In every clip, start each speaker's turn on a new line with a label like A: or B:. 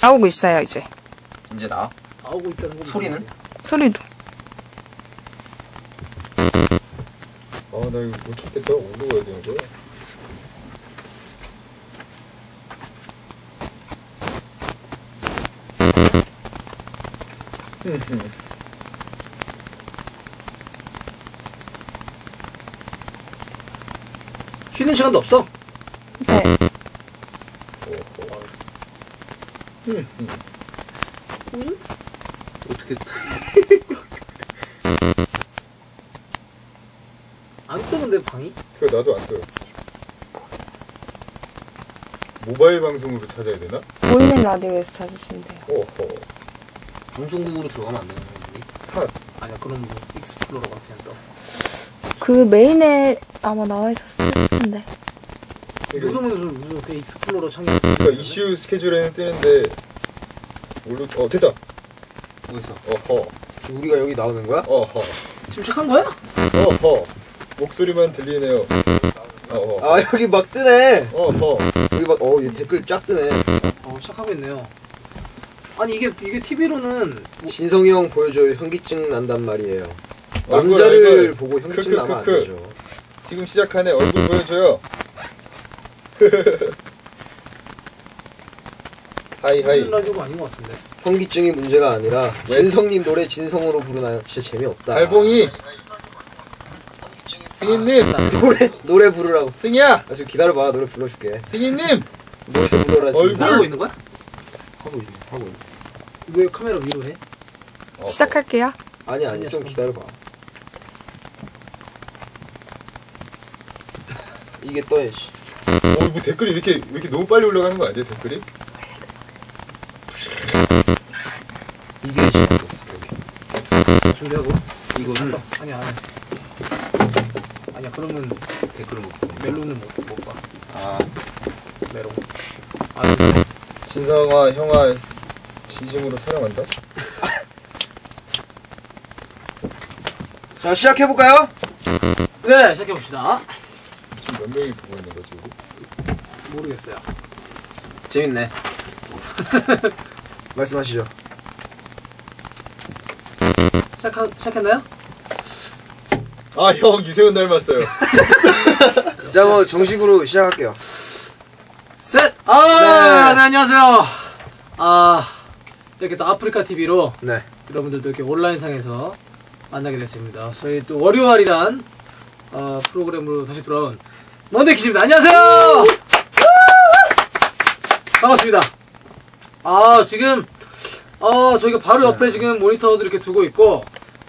A: 나오고 있어요, 이제.
B: 이제 나와?
C: 나오고 있다는 거.
B: 소리는?
A: 소리도.
D: 아, 나 이거 못 찾겠다. 어디로 가야 되는 거야?
C: 쉬는 시간도 없어.
A: 네.
C: 어떻게. 안 뜨는데, 방이?
D: 그거 나도 안 떠요. 모바일 방송으로 찾아야 되나?
A: 보이는 라디오에서 찾으시면 돼요.
D: 어허.
C: 방송국으로 들어가면 안 되는 거지.
D: 핫.
C: 아니야, 그럼 뭐, 익스플로러가 그냥 떠.
A: 그 메인에 아마 나와 있었을 텐데.
C: 누르면 무슨 그 익스플로러 창이.
D: 그러니까 이슈 스케줄에는 뜨는데 됐다.
C: 어디서?
D: 어허.
B: 우리가 여기 나오는 거야?
D: 어허.
C: 지금 시작한 거야?
D: 어허. 목소리만 들리네요. 어허.
B: 아, 여기 막 뜨네.
D: 어허.
B: 여기 막, 이 댓글 쫙 뜨네.
C: 시작하고 있네요. 아니, 이게 TV로는.
B: 진성이 형 보여줘요. 현기증 난단 말이에요.
D: 얼굴,
B: 남자를
D: 얼굴.
B: 보고 현기증
D: 크크크크.
B: 나면 안 되죠.
D: 지금 시작하네. 얼굴 보여줘요. 하이.
C: 라디오가 아닌 것 같은데.
B: 현기증이 문제가 아니라
D: 왜?
B: 진성님 노래 진성으로 부르나요? 진짜 재미없다.
D: 달봉이. 승희님.
B: 노래 부르라고.
D: 승희야.
B: 지금 기다려봐. 노래 불러줄게.
D: 승희님.
B: 노래 불러라. 지금.
D: 얼굴.
C: 나가고 있는 거야?
B: 하고 있네.
C: 왜 카메라 위로 해?
A: 시작할게요.
B: 아니, 좀 기다려봐. 이게 떠야지.
D: 뭐 댓글이 왜 이렇게 너무 빨리 올라가는 거 아니야, 댓글이?
B: 이게 지금
C: 준비하고.
B: 이거는
C: 아니야. 그러면
B: 댓글을 못 봐.
C: 멜론은 못 봐.
B: 아,
C: 메롱.
D: 진성아, 형아, 진심으로 사랑한다?
B: 자, 시작해볼까요?
C: 네, 시작해봅시다.
D: 지금 몇 명이 보고 있는 거지, 우리?
C: 모르겠어요.
B: 재밌네. 말씀하시죠.
C: 시작했나요?
D: 아, 형, 유세훈 닮았어요.
B: 자, 뭐, 정식으로 시작할게요.
C: 셋! 네, 안녕하세요. 이렇게 또 아프리카 TV로
B: 네.
C: 여러분들도 이렇게 온라인상에서 만나게 됐습니다. 저희 또 월요일이란 프로그램으로 다시 돌아온 먼데키즈입니다. 안녕하세요! 반갑습니다. 지금 저희가 바로 옆에 지금 모니터도 이렇게 두고 있고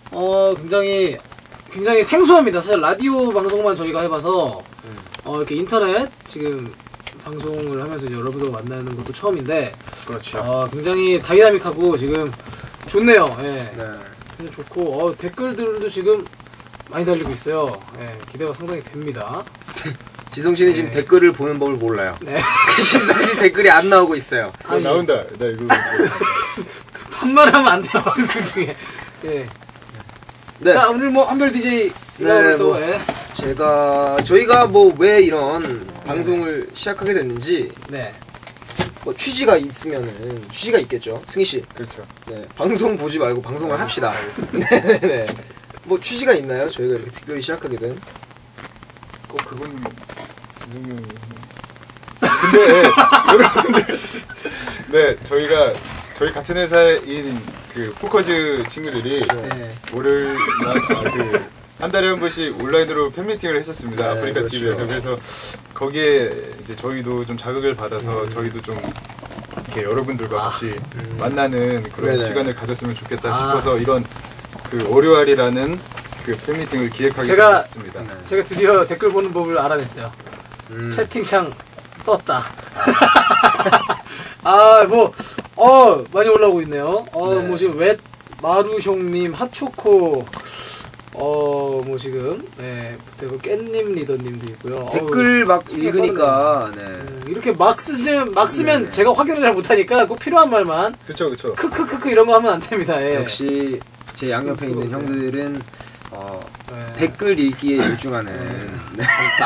C: 굉장히 생소합니다. 사실 라디오 방송만 저희가 해봐서 이렇게 인터넷 지금 방송을 하면서 여러분들 만나는 것도 처음인데
B: 그렇죠.
C: 굉장히 다이나믹하고 지금 좋네요. 예.
B: 네.
C: 굉장히 좋고 댓글들도 지금 많이 달리고 있어요. 예, 기대가 상당히 됩니다.
B: 지성 씨는 지금 댓글을 보는 법을 몰라요.
C: 네.
B: 심상시 댓글이 안 나오고 있어요.
D: 나온다. 나 이거.
C: 반말하면 안 돼요, 방송 중에. 예.
B: 네.
C: 자, 오늘 뭐 한별 DJ
B: 네,
C: 또
B: 뭐,
C: 예.
B: 저희가 뭐 왜 이런 방송을 시작하게 됐는지
C: 네.
B: 뭐 취지가 있겠죠. 승희 씨.
D: 그렇죠.
B: 네. 방송 보지 말고 방송을 합시다. 네네. 뭐 취지가 있나요? 저희가 이렇게 특별히 시작하게 된?
D: 그건 진성이 근데 여러분들 저희 같은 회사인 그 포커즈 친구들이
C: 네.
D: 한 달에 한 번씩 온라인으로 팬미팅을 했었습니다.
B: 네,
D: 아프리카
B: 그렇죠.
D: TV에서. 그래서 거기에 이제 저희도 좀 자극을 받아서 저희도 좀 이렇게 여러분들과 같이 만나는 그런
B: 네네.
D: 시간을 가졌으면 좋겠다 싶어서 이런 그 월요일이라는 그 팬미팅을 기획하게 됐습니다.
C: 제가 드디어 댓글 보는 법을 알아냈어요. 채팅창 떴다. 많이 올라오고 있네요. 뭐 지금 웻 마루숑님, 핫초코, 뭐 지금, 그리고 깻님 리더님도 있고요.
B: 댓글 막 읽으니까, 네.
C: 이렇게 막 쓰면 제가 확인을 잘 못하니까 꼭 필요한 말만.
D: 그쵸.
C: 크크크크 이런 거 하면 안 됩니다. 예.
B: 역시 제 양옆에 있는 형들은,
C: 네.
B: 댓글 읽기에 열중하는. 네.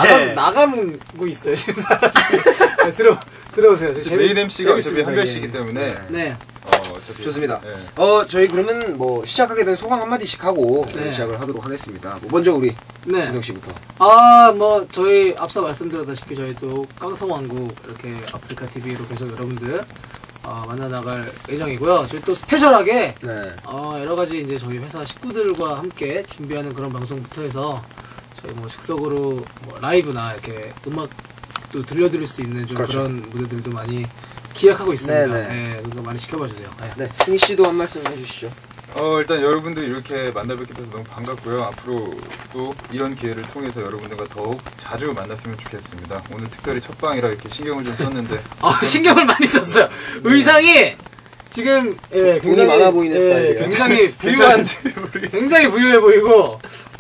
C: 나가고 있어요, 지금 사람이. 네, 들어오세요.
D: 메인 MC가 어차피
C: 재밌습니다,
D: 한별씨이기
C: 예.
D: 때문에.
C: 네.
D: 어차피.
B: 좋습니다.
D: 네.
B: 저희 그러면 뭐 시작하게 된 소감 한마디씩 하고
C: 네.
B: 시작을 하도록 하겠습니다. 뭐 먼저 우리
C: 네.
B: 진혁 씨부터.
C: 뭐, 저희 앞서 말씀드렸다시피 저희 또 깡통왕국 이렇게 아프리카 TV로 계속 여러분들 만나 나갈 예정이고요. 저희 또 스페셜하게
B: 네.
C: 여러 가지 이제 저희 회사 식구들과 함께 준비하는 그런 방송부터 해서 저희 뭐 즉석으로 뭐 라이브나 이렇게 음악도 들려드릴 수 있는 좀
B: 그렇죠.
C: 그런 무대들도 많이 기획하고 있습니다.
B: 네네.
C: 네, 그러니까 많이 지켜봐 주세요. 네.
B: 네. 승희 씨도 한 말씀 해주시죠.
D: 일단 여러분들 이렇게 만나뵙게 돼서 너무 반갑고요. 앞으로 또 이런 기회를 통해서 여러분들과 더욱 자주 만났으면 좋겠습니다. 오늘 특별히 첫 방이라 이렇게 신경을 좀 썼는데.
C: 신경을 많이 썼어요. 의상이 지금
B: 돈이 많아 보이는 스타일이에요.
C: 굉장히 부유한, 굉장히 부유해 보이고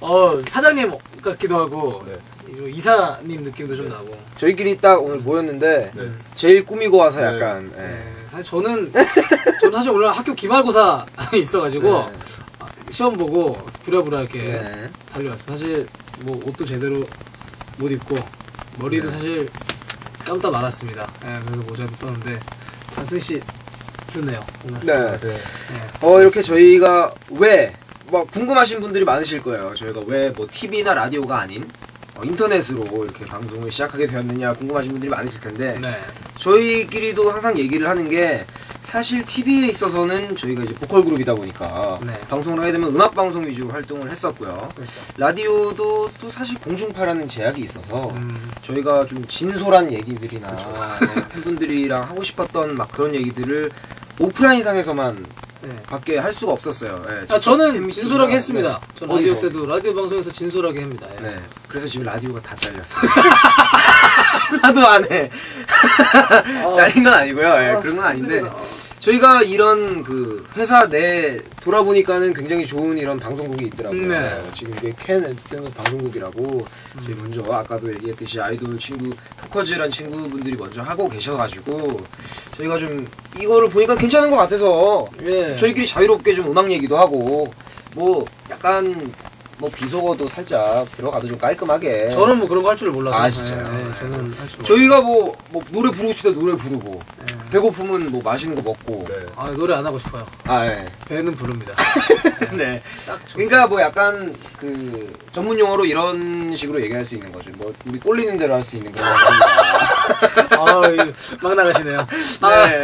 C: 사장님 같기도 하고
D: 네.
C: 이사님 느낌도 좀 나고.
B: 저희끼리 딱 오늘 모였는데
D: 네.
B: 제일 꾸미고 와서
D: 네.
B: 약간
C: 사실 저는 사실 오늘 학교 기말고사 있어가지고
B: 네.
C: 시험 보고 부랴부랴 이렇게
B: 네.
C: 달려왔어요. 사실 뭐 옷도 제대로 못 입고 머리도
B: 네.
C: 사실 감다 말았습니다. 그래서 모자도 썼는데 참 승희 씨 좋네요. 오늘.
B: 네.
D: 네.
B: 이렇게 저희가 왜 뭐 궁금하신 분들이 많으실 거예요. 저희가 왜 뭐 TV나 라디오가 아닌 인터넷으로 이렇게 방송을 시작하게 되었느냐 궁금하신 분들이 많으실 텐데
C: 네.
B: 저희끼리도 항상 얘기를 하는 게 사실 TV에 있어서는 저희가 이제 보컬 그룹이다 보니까
C: 네.
B: 방송을 하게 되면 음악 방송 위주로 활동을 했었고요.
C: 그렇죠.
B: 라디오도 또 사실 공중파라는 제약이 있어서 저희가 좀 진솔한 얘기들이나 네, 팬분들이랑 하고 싶었던 막 그런 얘기들을 오프라인상에서만
C: 네.
B: 밖에 할 수가 없었어요. 네,
C: 저는
B: 팬미팅이나,
C: 진솔하게 했습니다.
B: 네.
C: 전 라디오
B: 어디서?
C: 때도 라디오 방송에서 진솔하게 합니다. 예.
B: 네. 그래서 지금 라디오가 다 잘렸어요. 하도 안 해. 잘린 건 아니고요. 예, 그런 건 아닌데. 저희가 이런 그 회사 내 돌아보니까는 굉장히 좋은 이런 방송국이 있더라고요.
C: 네.
B: 지금 이게 캔 엔터테인먼트 방송국이라고 저희 먼저 아까도 얘기했듯이 아이돌 친구 포커즈란 친구분들이 먼저 하고 계셔가지고 저희가 좀 이거를 보니까 괜찮은 것 같아서
C: 예.
B: 저희끼리 자유롭게 좀 음악 얘기도 하고 뭐 약간 뭐 비속어도 살짝 들어가도 좀 깔끔하게.
C: 저는 뭐 그런 거 할 줄을 몰라서.
B: 아, 진짜요?
C: 네, 저는 할 줄.
B: 저희가 뭐 노래 부르고 싶을 때 노래 부르고
C: 네.
B: 배고프면 뭐 맛있는 거 먹고.
D: 네.
C: 노래 안 하고 싶어요.
B: 아 예.
C: 배는 부릅니다.
B: 네. 그러니까 뭐 약간 그 전문 용어로 이런 식으로 얘기할 수 있는 거죠. 뭐 우리 꼴리는 대로 할 수 있는 그런 겁니다.
C: 막 나가시네요.
B: 네.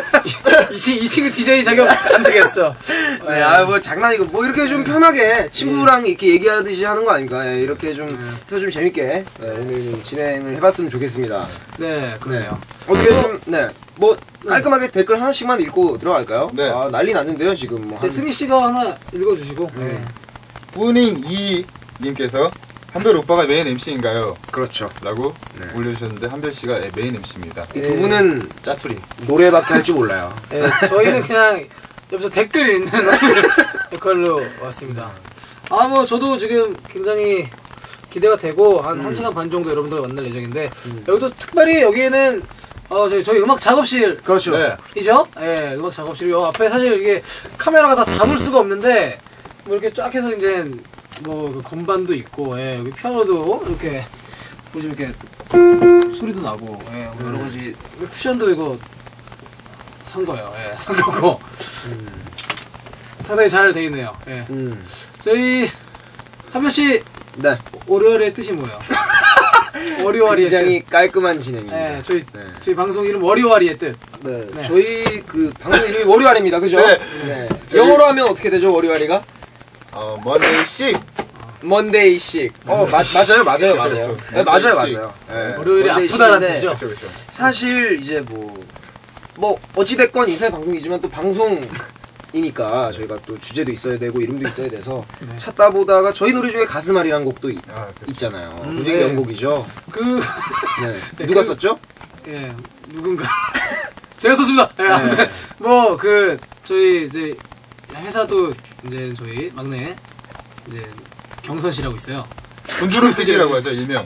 C: 이 친구 DJ 자격 안 되겠어.
B: 네. 뭐 장난이고 뭐 이렇게 좀 편하게 친구랑 이렇게 얘기하듯이 하는 거 아닙니까? 예, 이렇게 좀 해서 좀 재밌게 오늘 좀 진행을 해봤으면 좋겠습니다.
C: 네, 그러네요.
B: 어떻게 좀 뭐 깔끔하게 댓글 하나씩만 읽고 들어갈까요?
D: 네.
B: 난리 났는데요 지금 뭐
C: 네, 승희 씨가 하나 읽어주시고.
B: 네.
D: 뿌닝 이님께서 한별 오빠가 메인 MC인가요?
B: 그렇죠.
D: 라고
B: 네.
D: 올려주셨는데 한별씨가 메인 MC입니다.
B: 이 두 분은
D: 짜투리.
B: 노래밖에 할 줄 몰라요.
C: 네, 저희는 그냥 옆에서 댓글 읽는 역할로 왔습니다. 뭐 저도 지금 굉장히 기대가 되고 한 1시간 반 정도 여러분들과 만날 예정인데 여기도 특별히 여기에는 저희 음악 작업실
B: 그렇죠.
D: 네.
C: 이죠? 예, 음악 작업실 요 앞에 사실 이게 카메라가 다 담을 수가 없는데 뭐 이렇게 쫙 해서 이제 뭐 그 건반도 있고 여기 피아노도 이렇게 보시면 이렇게 소리도 나고 뭐 여러 가지 쿠션도 이거 산 거예요. 산 거고 상당히 잘 돼 있네요. 저희 한별 씨
B: 네.
C: 월요일의 뜻이 뭐예요? 월요일의
B: 굉장히 깔끔한 진행입니다.
C: 네, 저희 방송 이름 월요일의 뜻.
B: 네.
C: 네.
B: 저희 그 방송 이름이 월요일입니다. 그죠?
D: 네.
B: 네. 영어로 하면 어떻게 되죠? 월요일이가?
D: 먼데이씩.
B: 먼데이식. 맞아요.
D: 그렇죠.
B: 네, 맞아요.
D: 먼데이식.
B: 네.
C: 월요일이 아프다는 뜻이죠.
D: 그렇죠, 그렇죠.
B: 사실 이제 뭐 어찌됐건 인터넷 방송이지만 또 방송이니까 저희가 또 주제도 있어야 되고 이름도 있어야 돼서
C: 네.
B: 찾다 보다가 저희 노래 중에 가슴앓이라는 곡도
D: 그렇죠.
B: 있잖아요.
C: 네.
B: 굉장히 명곡이죠.
C: 네,
B: 누가 썼죠?
C: 누군가. 제가 썼습니다. 아무튼, 저희 이제 회사도 이제 저희 막내, 이제 경선 씨라고 있어요.
D: 돈주름 씨라고 하죠, 일명.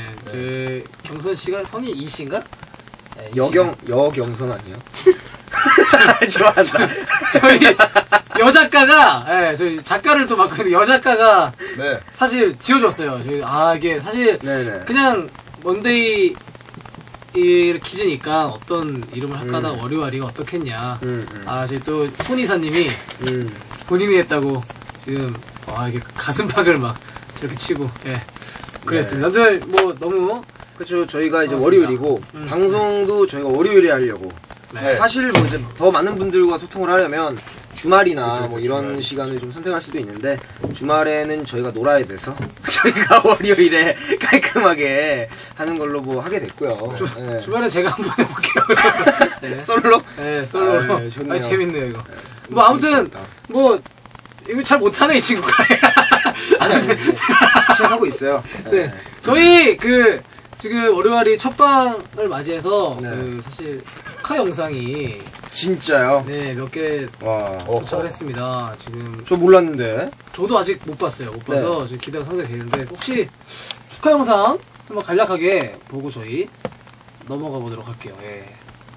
C: 경선 씨가 성이 이 씨인가?
B: 여경선 아니에요? 좋아한다.
C: 저희 여작가가, 예, 저희 작가를 또 맡고 있는데 여작가가
D: 네.
C: 사실 지어줬어요. 이게 사실
B: 네네.
C: 그냥 먼데이 이 기즈니까 어떤 이름을 할까 하다가 월요일이가 어떻겠냐. 저희 또 손이사님이 본인이 했다고 지금 이게 가슴팍을 막 저렇게 치고 그랬습니다. 아무튼 뭐 너무
B: 그렇죠. 저희가 이제
C: 맞습니다.
B: 월요일이고 방송도 저희가 월요일에 하려고.
C: 네.
B: 사실 뭐 이제 더 많은 분들과 소통을 하려면 주말이나
D: 그쵸,
B: 뭐 이런
D: 주말.
B: 시간을 좀 선택할 수도 있는데 주말에는 저희가 놀아야 돼서 저희가 월요일에 깔끔하게 하는 걸로 뭐 하게 됐고요. 네.
C: 주말에 제가 한번 해볼게요. 네.
B: 솔로?
C: 네, 솔로.
B: 아, 네, 좋네요.
C: 재밌네요 이거. 뭐 아무튼 뭐 이거 잘 못하네 이 친구가.
B: 아니 시작하고 있어요.
C: 네. 저희 지금 월요일이 첫 방을 맞이해서
B: 네.
C: 사실 축하 영상이
B: 진짜요?
C: 네, 몇 개
B: 와.
C: 도착을 했습니다. 지금
B: 저 몰랐는데.
C: 저도 아직 못 봤어요. 못 봐서 지금 기대가 상당히 되는데 혹시 축하 영상 한번 간략하게 보고 저희 넘어가 보도록 할게요. 예.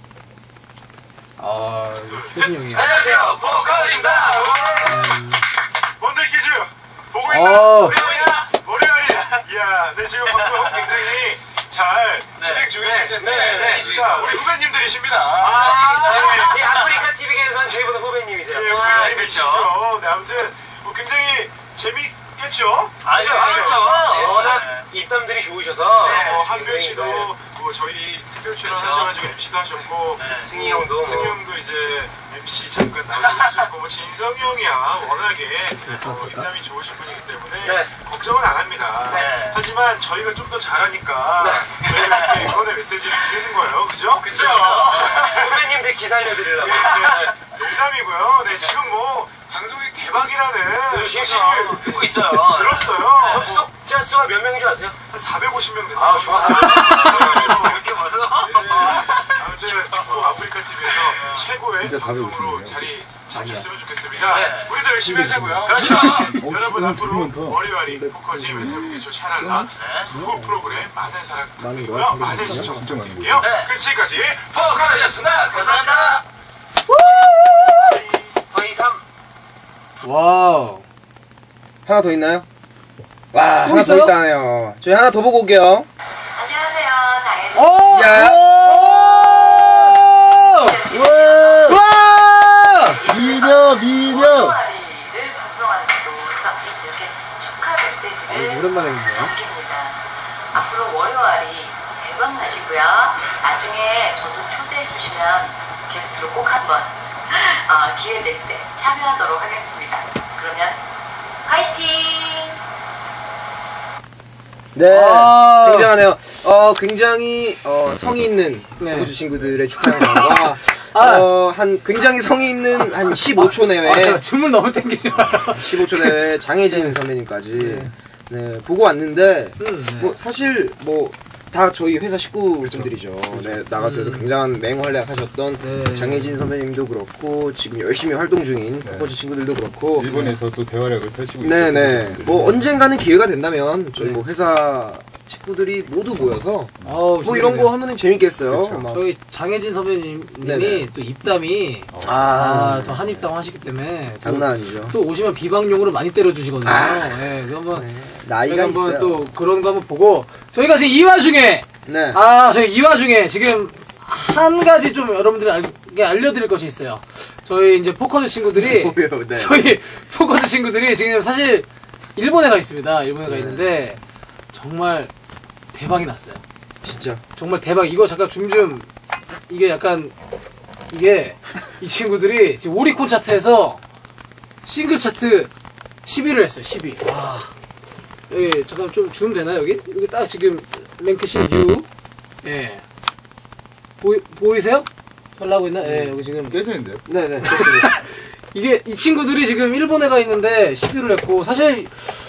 C: 효진 형이.
E: 안녕하세요, 보컬입니다. 뭔데 퀴즈 보고 있나?
B: 어.
E: 월요일이야. 이야, 네 지금 방송 굉장히 잘 진행 중이실 텐데, 자 우리 후배님들이십니다.
F: 이 아프리카 TV계에선 저희보다 후배님이세요.
E: 예, 후배님이시죠. 네, 아무튼 뭐 굉장히 재밌겠죠?
F: 아주
E: 그렇죠.
F: 워낙 입담들이 좋으셔서
E: 한별 씨도 뭐 저희 특별 출연하셔가지고 MC도 하셨고,
F: 승희 형도
E: 승희 형도 이제 MC 잠깐 나오셨고, 뭐 진성이 형이야 워낙에 입담이 좋으신 분이기 때문에
F: 네.
E: 걱정은 안 합니다.
F: 네.
E: 하지만 저희가 좀 더 잘하니까 저희가 이렇게 응원의 메시지를 드리는 거예요, 그죠?
F: 그쵸. 후배님들 기 살려드리려고.
E: 농담이고요. 네, 지금 뭐 방송이 대박이라는
F: 실실 듣고 있어요.
E: 들었어요.
F: 접속자 수가 몇 명인 줄 아세요?
E: 한 450명 됐다.
F: 아, 좋아. 이렇게 많아?
E: 아무튼 뭐 아프리카 TV에서 최고의
D: 진짜
E: 방송으로
D: 450 이네요.
E: 자리 잡혔으면 좋겠습니다.
F: 네.
E: 우리도 열심히 하자고요.
F: 그렇죠.
E: 여러분 앞으로
D: 들으면 더.
E: 월요일이 포커지 멘탈부터 샤랄라 두 프로그램 많은 사랑 부탁드리고요. 많은 시청
D: 진짜 많은
E: 부탁드릴게요.
F: 거예요.
E: 그럼 지금까지
F: 포커였습니다. 감사합니다. 거의 3.
B: 와우. 하나 더 있나요? 와, 하나
C: 있어요?
B: 더 있다네요. 저희 하나 더 보고 올게요.
G: 안녕하세요, 장혜진.
B: 야.
G: 미녀. 월요일을 방송하는 곳에서 이렇게 축하 메시지를
C: 오랜만에 듣네요.
G: 남깁니다. 앞으로 월요일이 대박 나시고요. 나중에 저도 초대해 주시면 게스트로 꼭 한번 기회 될 때 참여하도록 하겠습니다. 그러면 화이팅!
B: 네.
C: 아.
B: 굉장하네요. 굉장히 성의 있는
C: 네.
B: 호주 친구들의 축하 영상과 한 굉장히 성의 있는 한 15초 내외
C: 제가 춤을 너무 땡기죠.
B: 15초 내외 장혜진 선배님까지 네, 보고 왔는데 뭐 사실 뭐 다 저희 회사 식구분들이죠. 네, 나가서 굉장한 맹활약 하셨던
C: 네.
B: 장혜진 선배님도 그렇고 지금 열심히 활동 중인 포커즈 친구들도 그렇고
D: 일본에서 또 대활약을 펼치고
B: 네네
D: 있어요.
B: 뭐 언젠가는 기회가 된다면 저희 뭐 회사 식구들이 모두 모여서 뭐 이런 거 하면은 재밌겠어요.
D: 그쵸.
B: 막.
C: 저희 장혜진 선배님이
B: 네네.
C: 또 입담이 또 한입담 하시기 때문에 또,
B: 장난 아니죠.
C: 또 오시면 비방용으로 많이 때려주시거든요. 네, 그 한번
B: 나이가
C: 저희가 한번
B: 있어요.
C: 또 그런 거 한번 보고 저희가 지금 이 와중에
B: 네.
C: 저희 이 와중에 지금 한 가지 좀 여러분들에게 알려드릴 것이 있어요. 저희 이제 포커즈 친구들이
B: 뭐요? 네.
C: 저희 포커즈 친구들이 지금 사실 일본에 가 있습니다. 일본에 가 있는데 정말 대박이 났어요.
B: 진짜.
C: 정말 대박. 이거 잠깐 좀 이게 약간 이게 이 친구들이 지금 오리콘 차트에서 싱글 차트 10위를 했어요. 10위. 와. 여기 잠깐 좀 줌 되나요 여기? 여기 딱 지금 랭크신 뷰. 예. 보이세요? 잘 나오고 있나? 예, 여기 지금
D: 깨지는데요?
B: 네네.
C: 이게 이 친구들이 지금 일본에 가 있는데 10위를 했고 사실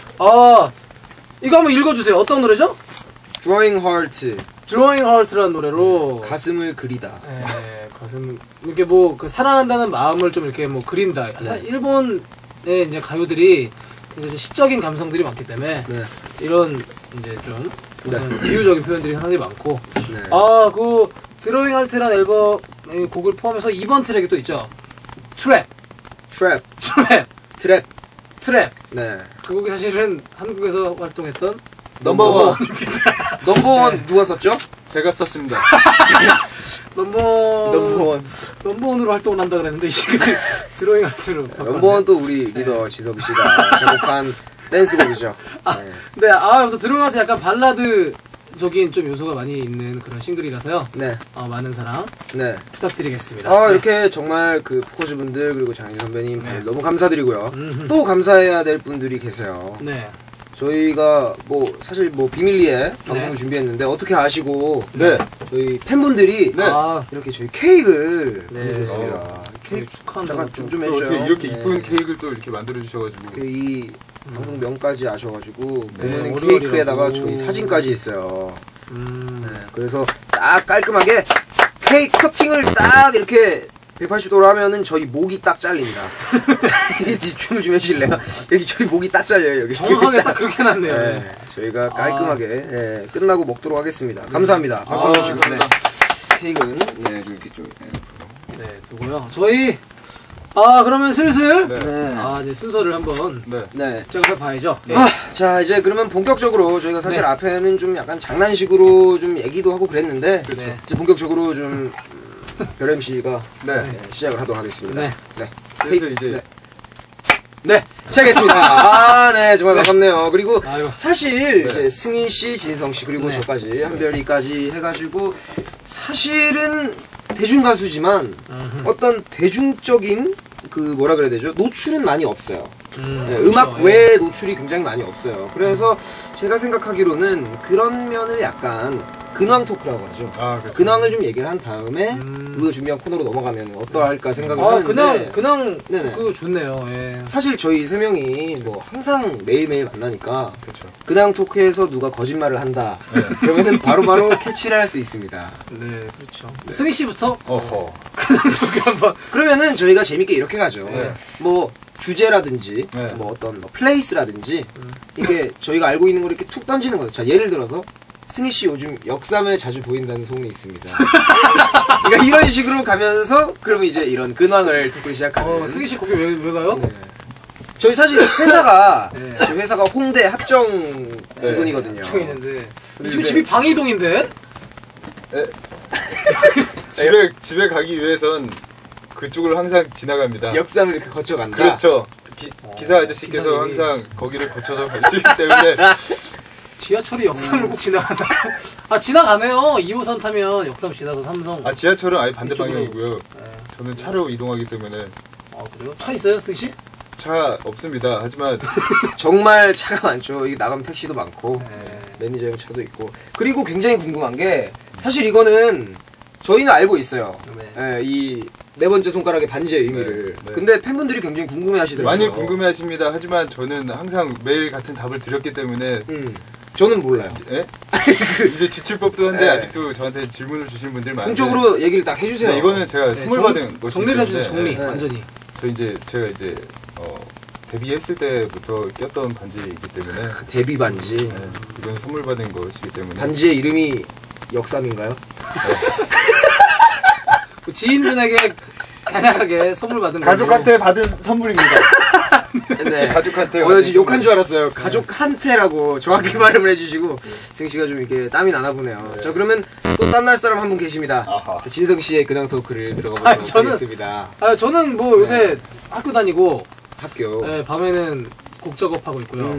C: 이거 한번 읽어주세요. 어떤 노래죠?
B: Drawing Heart.
C: Drawing Heart라는 노래로
B: 가슴을 그리다.
C: 예, 가슴 이렇게 뭐 그 사랑한다는 마음을 좀 이렇게 뭐 그린다. 사실 일본의 이제 가요들이 굉장히 시적인 감성들이 많기 때문에
B: 네.
C: 이런 이제 좀 비유적인 표현들이 상당히 많고
B: 네.
C: 그 드로잉 할트라는 이 곡을 포함해서 2번 트랙이 또 있죠. 트랩. 트랩.
B: 네.
C: 그 곡이 사실은 한국에서 활동했던
B: 넘버원. 넘버원 누가 썼죠?
D: 제가 썼습니다.
C: 넘버원으로 활동을 한다 그랬는데, 이 친구들 드로잉 아트로.
B: 넘버원 또 우리 리더 지석 씨가 작곡한 댄스곡이죠.
C: 네, 아무튼 드로잉 아트 약간 발라드적인 좀 요소가 많이 있는 그런 싱글이라서요.
B: 네.
C: 많은 사랑.
B: 네.
C: 부탁드리겠습니다.
B: 이렇게 정말 그 포커즈 분들 그리고 장인 선배님 너무 감사드리고요. 또 감사해야 될 분들이 계세요.
C: 네.
B: 저희가 뭐 사실 뭐 비밀리에 방송을 준비했는데 어떻게 아시고
D: 네.
B: 저희 팬분들이
D: 네.
B: 이렇게 저희 케이크를
C: 네.
B: 보내주셨습니다.
C: 케이크 축하한다고.
B: 잠깐 좀
D: 또
B: 해주세요.
D: 어떻게 이렇게
B: 네.
D: 이쁜 케이크를 또 이렇게 만들어 주셔가지고.
B: 이 방송 명까지 아셔가지고 보면은
C: 월요일이라고.
B: 케이크에다가 저희 사진까지 있어요. 네, 그래서 딱 깔끔하게 케이크 커팅을 딱 이렇게 180도로 하면은 저희 목이 딱 잘립니다. 춤을 좀 해주실래요? 여기 저희 목이 딱 잘려요. 여기
C: 정확하게 딱 그렇게 해놨네요.
B: 네, 저희가 깔끔하게 끝나고 먹도록 하겠습니다. 감사합니다. 박수 주시고 케이크는 좀 이렇게 좀
C: 네, 두고요. 저희 그러면 슬슬
D: 네.
C: 이제 순서를 한번
D: 네.
C: 제가 봐야죠. 예.
B: 자, 이제 그러면 본격적으로 저희가 사실
C: 네.
B: 앞에는 좀 약간 장난식으로 좀 얘기도 하고 그랬는데
C: 네.
B: 이제 본격적으로 좀 별 MC가
D: 네.
B: 시작을 하도록 하겠습니다.
C: 네.
D: 그래서 이제
B: 네, 시작했습니다. 네, 정말 반갑네요. 그리고
C: 아이고.
B: 사실 이제 승희 씨, 진성 씨 그리고
C: 네.
B: 저까지 한별이까지 해가지고 사실은 대중 가수지만 어떤 대중적인 그 뭐라 그래야 되죠? 노출은 많이 없어요. 네, 음악
C: 그렇죠.
B: 외에 노출이 굉장히 많이 없어요. 그래서 제가 생각하기로는 그런 면을 약간 근황 토크라고 하죠.
D: 그렇죠.
B: 근황을 좀 얘기를 한 다음에 우리가 준비한 코너로 넘어가면 어떠할까 생각을 하는데
C: 그냥
B: 네네.
C: 그거 좋네요. 예.
B: 사실 저희 세 명이 뭐 항상 매일매일 만나니까
D: 그렇죠.
B: 근황 토크에서 누가 거짓말을 한다 그러면은 바로바로 캐치를 할 수 있습니다.
C: 네, 그렇죠. 승희 씨부터
D: 어허.
C: 토크 한번.
B: 그러면은 저희가 재밌게 이렇게 가죠.
D: 네.
B: 뭐 주제라든지
D: 네.
B: 뭐 어떤 뭐 플레이스라든지 이게 저희가 알고 있는 걸 이렇게 툭 던지는 거예요. 자, 예를 들어서 승희 씨 요즘 역삼에 자주 보인다는 소문이 있습니다. 그러니까 이런 식으로 가면서 그러면 이제 이런 근황을 듣고 시작하는.
C: 승희 씨 거기 왜 가요?
B: 네. 저희 사실 회사가
C: 네.
B: 저희 회사가 홍대 합정 부근이거든요.
C: 저 있는데 지금 집이 방이동인데?
D: 집에 가기 위해선 그쪽을 항상 지나갑니다.
B: 역삼을 이렇게 거쳐간다.
D: 그렇죠. 기사 아저씨께서
C: 기사님이.
D: 항상 거기를 거쳐서 가시기 때문에
C: 지하철이 역삼을 꼭 지나간다. 지나가네요. 2호선 타면 역삼 지나서 삼성.
D: 지하철은 아예 반대
C: 이쪽으로.
D: 방향이고요.
C: 네.
D: 저는 차로 이동하기 때문에
C: 그래요? 차 있어요, 승희 씨?
D: 차 없습니다. 하지만
B: 정말 차가 많죠. 이게 나가면 택시도 많고
C: 네.
B: 매니저용 차도 있고. 그리고 굉장히 궁금한 게 사실 이거는 저희는 알고 있어요.
C: 네.
B: 이 네 번째 손가락의 반지의 의미를.
D: 네.
B: 근데 팬분들이 굉장히 궁금해하시더라고요.
D: 많이 궁금해하십니다. 하지만 저는 항상 매일 같은 답을 드렸기 때문에
B: 저는 몰라요.
D: 예? 이제 지칠 법도 한데
B: 네.
D: 아직도 저한테 질문을 주시는 분들이 많은데
B: 공적으로 얘기를 딱 해주세요.
D: 네, 이거는 제가 선물 받은 것이기
C: 정리를 해주세요,
D: 때문에
C: 정리.
B: 네.
C: 완전히.
D: 제가 이제 데뷔했을 때부터 꼈던 반지이기 때문에
B: 데뷔 반지.
D: 네, 이건 선물 받은 것이기 때문에
B: 반지의 이름이 역삼인가요?
C: 그 지인분에게 간략하게 선물 받은 거예요.
D: 가족한테 받은 선물입니다.
B: 네.
D: 가족한테
B: 나 지금 욕한 줄 알았어요. 가족한테라고 정확히 발음을 해주시고 승 씨가 좀 이렇게 땀이 나나 보네요. 자, 그러면 또 딴 날 사람 한 분 계십니다.
D: 아하.
B: 진성 씨의 근황 토크를 들어가보도록 하겠습니다.
C: 저는 뭐 요새 학교 다니고
B: 학교.
C: 밤에는 곡 작업하고 있고요.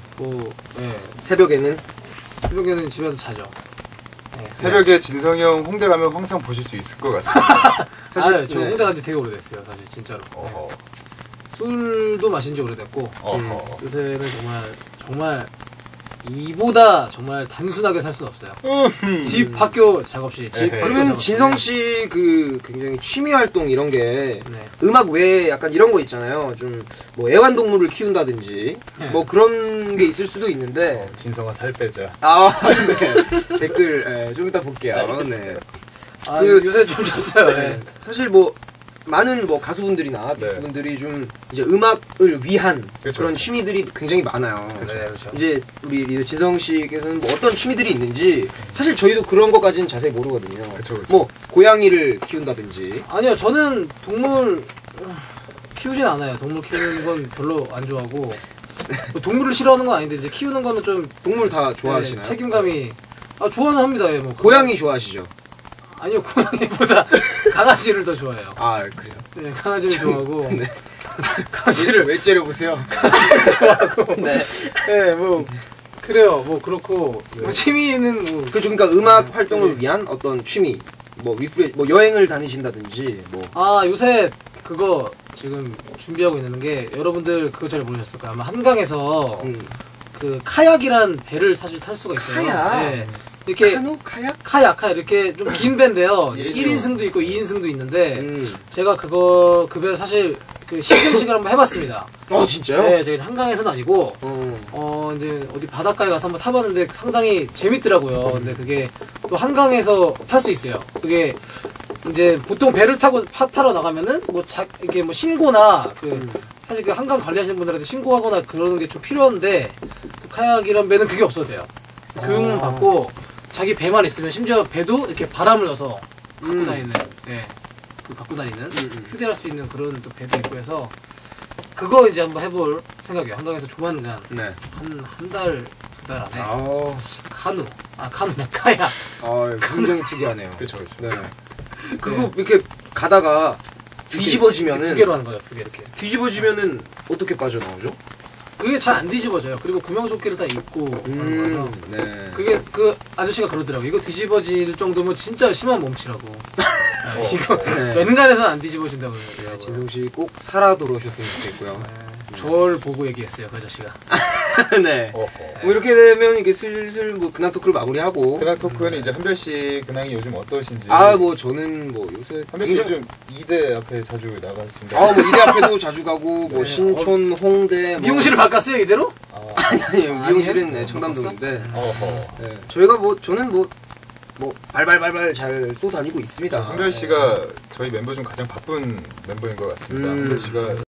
B: 새벽에는
C: 새벽에는 집에서 자죠.
D: 새벽에 진성이 형 홍대 가면 항상 보실 수 있을 것 같습니다.
C: 사실 저 홍대 간지 되게 오래됐어요, 사실 진짜로.
D: 어허.
C: 술도 마신 지 오래됐고
D: 어허.
C: 요새는 정말 이보다 정말 단순하게 살 수는 없어요. 집, 학교, 작업실. 집, 학교,
B: 그러면
C: 작업실.
B: 진성 씨 그 굉장히 취미 활동 이런 게
C: 네.
B: 음악 외에 약간 이런 거 있잖아요. 좀 뭐 애완동물을 키운다든지
C: 네.
B: 뭐 그런 게 있을 수도 있는데
D: 진성아 살 빼자.
B: 네. 댓글 좀 이따 볼게요. 네.
C: 요새 좀 잤어요. 네.
B: 사실 뭐 많은 뭐 가수분들이나
D: 네.
B: 가수분들이 좀 이제 음악을 위한
D: 그쵸,
B: 그런
D: 그쵸.
B: 취미들이 굉장히 많아요.
C: 네, 그렇죠.
B: 이제 우리 리더 진성 씨께서는 뭐 어떤 취미들이 있는지 사실 저희도 그런 것까지는 자세히 모르거든요.
D: 그쵸, 그쵸.
B: 뭐 고양이를 키운다든지.
C: 아니요, 저는 동물 키우진 않아요. 동물 키우는 건 별로 안 좋아하고 뭐 동물을 싫어하는 건 아닌데 이제 키우는 거는 좀
B: 동물 다 좋아하시나요?
C: 네, 책임감이 좋아는 합니다. 예, 뭐
B: 고양이 좋아하시죠?
C: 아니요, 고양이보다 강아지를 더 좋아해요.
B: 아 그래요?
C: 네, 강아지를 좋아하고
B: 네.
C: 강아지를
B: 왜 째려보세요?
C: 좋아하고
B: 네.
C: 네, 뭐 그래요. 뭐 그렇고 뭐 취미는 뭐
B: 그렇죠. 그러니까 음악 활동을 위한 어떤 취미, 뭐 리프레, 뭐 여행을 다니신다든지, 뭐
C: 요새 그거 지금 준비하고 있는 게 여러분들 그거 잘 모르셨을 거예요. 아마 한강에서 그 카약이란 배를 사실 탈 수가 있어요.
B: 카약?
C: 네. 이렇게
B: 카누, 카약?
C: 카약 이렇게 좀 긴 배인데요.
D: 예,
C: 1인승도 있고 2인승도 있는데 제가 그 배 사실 그 시승식을 한번 해봤습니다.
B: 진짜요?
C: 네, 제가 한강에서는 아니고 이제 어디 바닷가에 가서 한번 타봤는데 상당히 재밌더라고요. 근데 그게 또 한강에서 탈 수 있어요. 그게 이제 보통 배를 타고 타러 나가면은 이게 뭐 신고나 사실 그 한강 관리하시는 분들한테 신고하거나 그러는 게 좀 필요한데 그 카약이란 배는 그게 없어도 돼요. 교육만 받고 자기 배만 있으면 심지어 배도 이렇게 바람을 넣어서 갖고 다니는, 갖고 다니는 휴대할 수 있는 그런 또 배도 있고 해서 그거 이제 한번 해볼 생각이에요. 한강에서 조만간
B: 네.
C: 한 달, 두 달 안에 카누냐 카약.
B: 굉장히 특이하네요.
D: 그쵸, 그쵸.
B: 네. 그거 이렇게 가다가 뒤집어지면은
C: 두 개로 하는 거죠. 두 개 이렇게.
B: 뒤집어지면은 어떻게 빠져나오죠?
C: 그게 잘 안 뒤집어져요. 그리고 구명조끼를 다 입고 가는 거라서.
B: 네.
C: 그게 그 아저씨가 그러더라고요. 이거 뒤집어질 정도면 진짜 심한 몸치라고. 이거
B: 네.
C: 웬간해서는 안 뒤집어진다고 그러더라고요.
B: 진성 씨 꼭 살아 돌아오셨으면 좋겠고요.
C: 저를 보고 얘기했어요, 그 아저씨가.
B: 네.
D: 어허.
B: 뭐 이렇게 되면 이게 슬슬 뭐 근황 토크를 마무리하고.
D: 근황 토크는 이제 한별 씨 근황이 요즘 어떠신지.
B: 뭐 저는 뭐 요새
D: 한별 씨 요즘 2대 앞에 자주 나가신다.
B: 뭐 이대 앞에도 자주 가고 뭐 신촌, 홍대, 뭐.
C: 미용실을 바꿨어요, 이대로?
B: 아니요 미용실은
C: 아니에요?
B: 청담동인데.
D: 어허.
B: 네. 저희가 저는 뭐 발발발발 잘 쏘다니고 있습니다.
D: 한별 씨가 저희 멤버 중 가장 바쁜 멤버인 것 같습니다. 한별 씨가